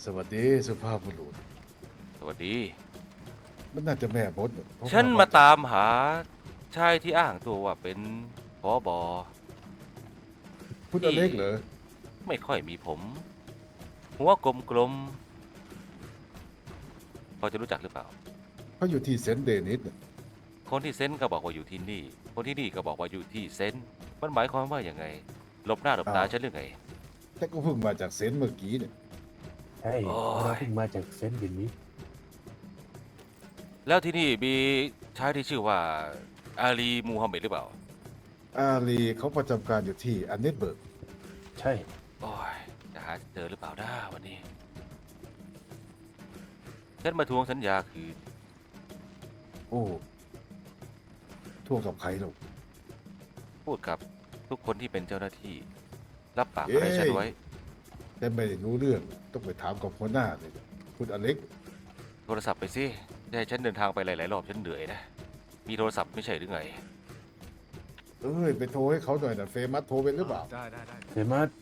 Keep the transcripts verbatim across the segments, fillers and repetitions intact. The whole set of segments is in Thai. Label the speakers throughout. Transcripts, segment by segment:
Speaker 1: สวัสดีสุภาพบุรุษ
Speaker 2: สวัสดี
Speaker 1: มันน่าจะแม่มดเพราะ
Speaker 2: ฉัน
Speaker 1: ว่า
Speaker 2: มาตามหาชายที่อ้างตัวว่าเป็นผอบอ
Speaker 1: คุณอ
Speaker 2: ที่
Speaker 1: เล็กเหรอ
Speaker 2: ไม่ค่อยมีผม หัวกลมๆพอจะรู้จักหรือเปล่า
Speaker 1: เขาอยู่ที่เซนต์เดนิสน่ะ
Speaker 2: คนที่เซนต์ก็บอกว่าอยู่ที่นี่ คนที่นี่ก็บอกว่าอยู่ที่เซนต์มันหมายความว่าอย่างไงหลบหน้าหลบตาฉันหรือไง
Speaker 1: แต่ก็เพิ่งมาจากเซนต์เมื่อกี้เนี่ย
Speaker 3: ใช่
Speaker 2: โอ้ย
Speaker 3: เราเพิ่งมาจากเซนต์ดินนี้
Speaker 2: แล้วที่นี่มีชายที่ชื่อว่าอาลีมูฮัมเหม็ดหรือเปล่า
Speaker 1: อาลีเขาประจำการอยู่ที่อันเนตเบิร์ก
Speaker 3: ใช่
Speaker 2: โอ้ยจะหาเจอหรือเปล่านะวันนี้ ฉันมาทวงสัญญาคืน
Speaker 1: โอ้ท่วงกับใครหรอก
Speaker 2: พูดกับทุกคนที่เป็นเจ้าหน้าที่ รับปากอะไรฉันไว้
Speaker 1: แต่ไม่ได้รู้เรื่องต้องไปถามกับหัวหน้าเลยคุณอเล็ก
Speaker 2: โทรศัพท์ไปสิจะให้ฉันเดินทางไปหลายๆรอบฉันเหนื่อยนะ มีโทรศัพท์ไม่ใช่หรือไง
Speaker 1: เอ้ยไปโทรให้เขาหน่อยนะเฟมัสโทรเป็นหรือเปล่า
Speaker 4: ได้ได้ได้
Speaker 3: เฟมัส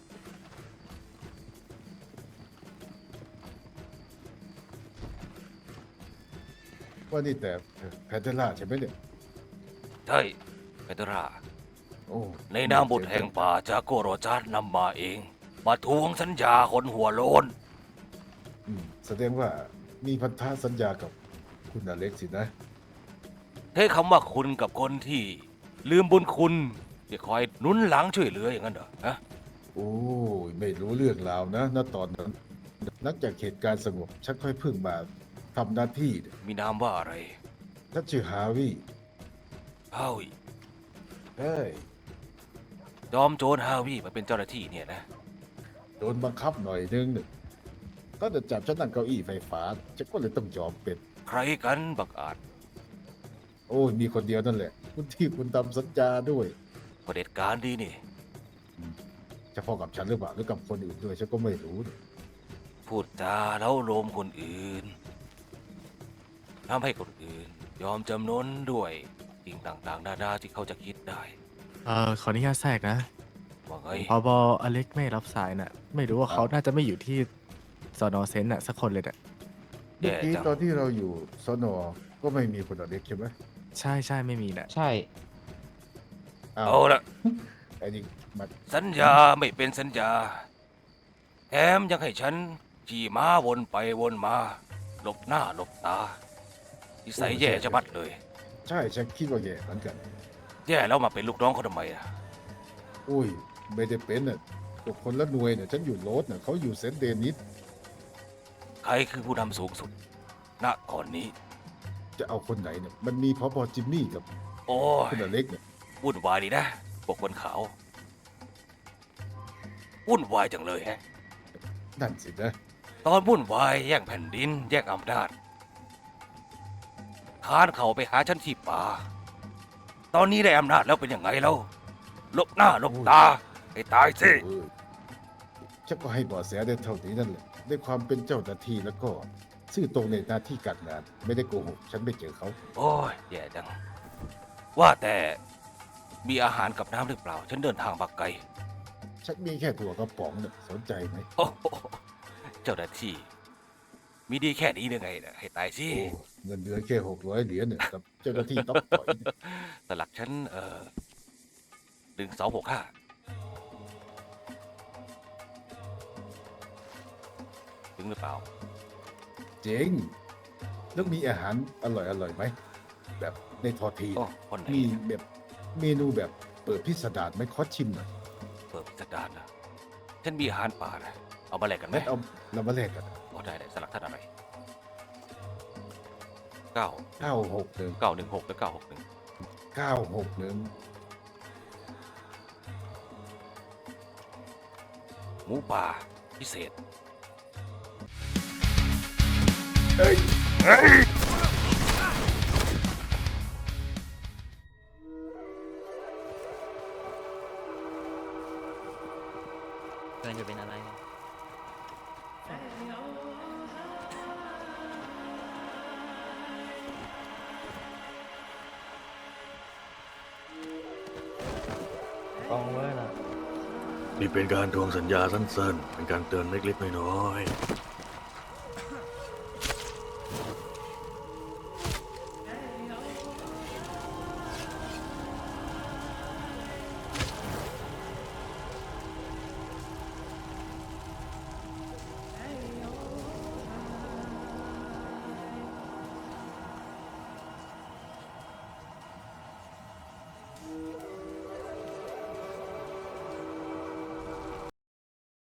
Speaker 1: ว่านี่แต่แพนเทล่าใช่ไหมเนี่ย
Speaker 2: ใช่เปโตรา
Speaker 1: โอ้
Speaker 2: ในนามบุตรแห่งป่าจากโกโรจาร์นำมาเอง มาทวงสัญญาคนหัวโลน
Speaker 1: อืมแสดงว่ามีพันธสัญญากับคุณอเล็กสินะ
Speaker 2: เท่คำว่าคุณกับคนที่ ลืมบุญคุณที่คอยหนุนหลังช่วยเหลืออย่างนั้นเหรอฮะ
Speaker 1: โอ้ยไม่รู้เรื่องราวนะณตอนนั้นนักจากเหตุการณ์สงบฉันค่อยเพิ่งมาทำหน้าที่เนี่ย
Speaker 2: มีนามว่าอะไร
Speaker 1: ฉันชื่อฮาวิ
Speaker 2: ฮาวิ
Speaker 1: เฮ้ย
Speaker 2: จอมโจรฮาวิมาเป็นเจ้าหน้าที่เนี่ยนะ
Speaker 1: โดนบังคับหน่อยนึงเนี่ยก็จะจับฉันนั่งเก้าอี้ไฟฟ้าฉันก็เลยต้องยอมเป็น
Speaker 2: ใครกันบักอาจ
Speaker 1: โอ้ยมีคนเดียวนั่นแหละ คุณที่คุณทำสัญญาด้วย
Speaker 2: เผด็จการดีนี่
Speaker 1: เฉพาะกับฉันหรือเปล่าหรือกับคนอื่นด้วยฉันก็ไม่รู้เนี่ย
Speaker 2: พูดจาแล้วโลมคนอื่นทำให้คนอื่น ยอมจำนนด้วยสิ่งต่างๆนานาที่เขาจะคิดได้
Speaker 4: เอ่อขออนุญาตแทรกนะ
Speaker 2: ว่าไง
Speaker 4: พอบออเล็กไม่รับสายน่ะ ไม่รู้ว่าเขาน่าจะไม่อยู่ที่สอนอเซนต์น่ะสักคนเลยน่ะ
Speaker 1: เมื่อ
Speaker 2: แย่
Speaker 1: กี้
Speaker 2: จัง
Speaker 1: ตอนที่เราอยู่สนก็ไม่มีคุณอเล็กใช่ไหม
Speaker 4: ใช่ใช่ไม่มีน่ะ
Speaker 5: ใช่
Speaker 1: อ้าว
Speaker 2: เอาละ
Speaker 1: ไอ้นี่มา
Speaker 2: สัญญาไม่เป็นสัญญา แถมยังให้ฉันขี่ม้าวนไปวนมาหลบหน้าหลบตานิสัยแย่จะบัดเลย
Speaker 1: ใช่ฉันคิดว่าแย่เหมือนกัน
Speaker 2: แย่แล้วมาเป็นลูกน้องเขาทำไมอ่ะ
Speaker 1: อุ้ยไม่ได้เป็นน่ะก็คนละหน่วยเนี่ยฉันอยู่โรสน่ะเขาอยู่เซนต์เดนิส
Speaker 2: ใครคือผู้นำสูงสุด ณตอนนี้
Speaker 1: จะเอาคนไหนเนี่ยมันมีพอพอจิมมี่กับ
Speaker 2: โอ้ย
Speaker 1: คุณอเล็กเนี่ย
Speaker 2: วุ่นวายดีนะพวกคนขาววุ่นวายจังเลยแฮะ
Speaker 1: นั่นสินะ
Speaker 2: ตอนวุ่นวายแย่งแผ่นดิน แย่งอำนาจคานเขาไปหาฉันที่ป่า ตอนนี้ได้อำนาจแล้วเป็นยังไงแล้วลบหน้าลบตาให้ตายสิ
Speaker 1: เออฉันก็ให้เบาะแสได้เท่านี้นั่นแหละด้วยความเป็นเจ้าหน้าที่แล้วก็ซื่อตรงในหน้าที่การงาน ไม่ได้โกหกฉันไม่เจอเขา
Speaker 2: โอ้ยแย่จัง ว่าแต่มีอาหารกับน้ำหรือเปล่า ฉันเดินทางมาไกล
Speaker 1: ฉันมีแค่ถั่วกระป๋องเนี่ยสนใจไหม
Speaker 2: โอ้โหเจ้าหน้าที่ มีดีแค่นี้ยังไงนะให้ตายสิ
Speaker 1: โอ้เงินเดือนแค่หกร้อยเหรียญเนี่ยกับเจ้าหน้าที่ต้องปล่อยเนี่ย
Speaker 2: สลักฉันเอ่อหนึ่งสองหกห้าถึงหรือเปล่า
Speaker 1: เจ๋งแล้วมีอาหารอร่อยอร่อยไหมแบบในทอที
Speaker 2: โอ้คนไหน
Speaker 1: มีแบบเมนูแบบเปิดพิสดารไหมขอชิมหน่อย
Speaker 2: เปิดพิสดารนะฉันมีอาหารป่านะเอามาแลกกันไหม
Speaker 1: งั้นเอาเรามาแลกกัน
Speaker 2: อ๋อได้ได้สลักท่านอะไรเก้า
Speaker 1: เก้าหกหนึ่ง
Speaker 2: เก้าหนึ่งหกหรือเก้าหกหนึ่ง
Speaker 1: เก้าหกหนึ่ง
Speaker 2: หมูป่าพิเศษ
Speaker 1: เอ้ย
Speaker 5: เกินจะเป็นอะไร กองเว้ยล่ะ
Speaker 6: นี่เป็นการทวงสัญญาสั้นๆ เป็นการเตือนเล็กๆน้อยๆ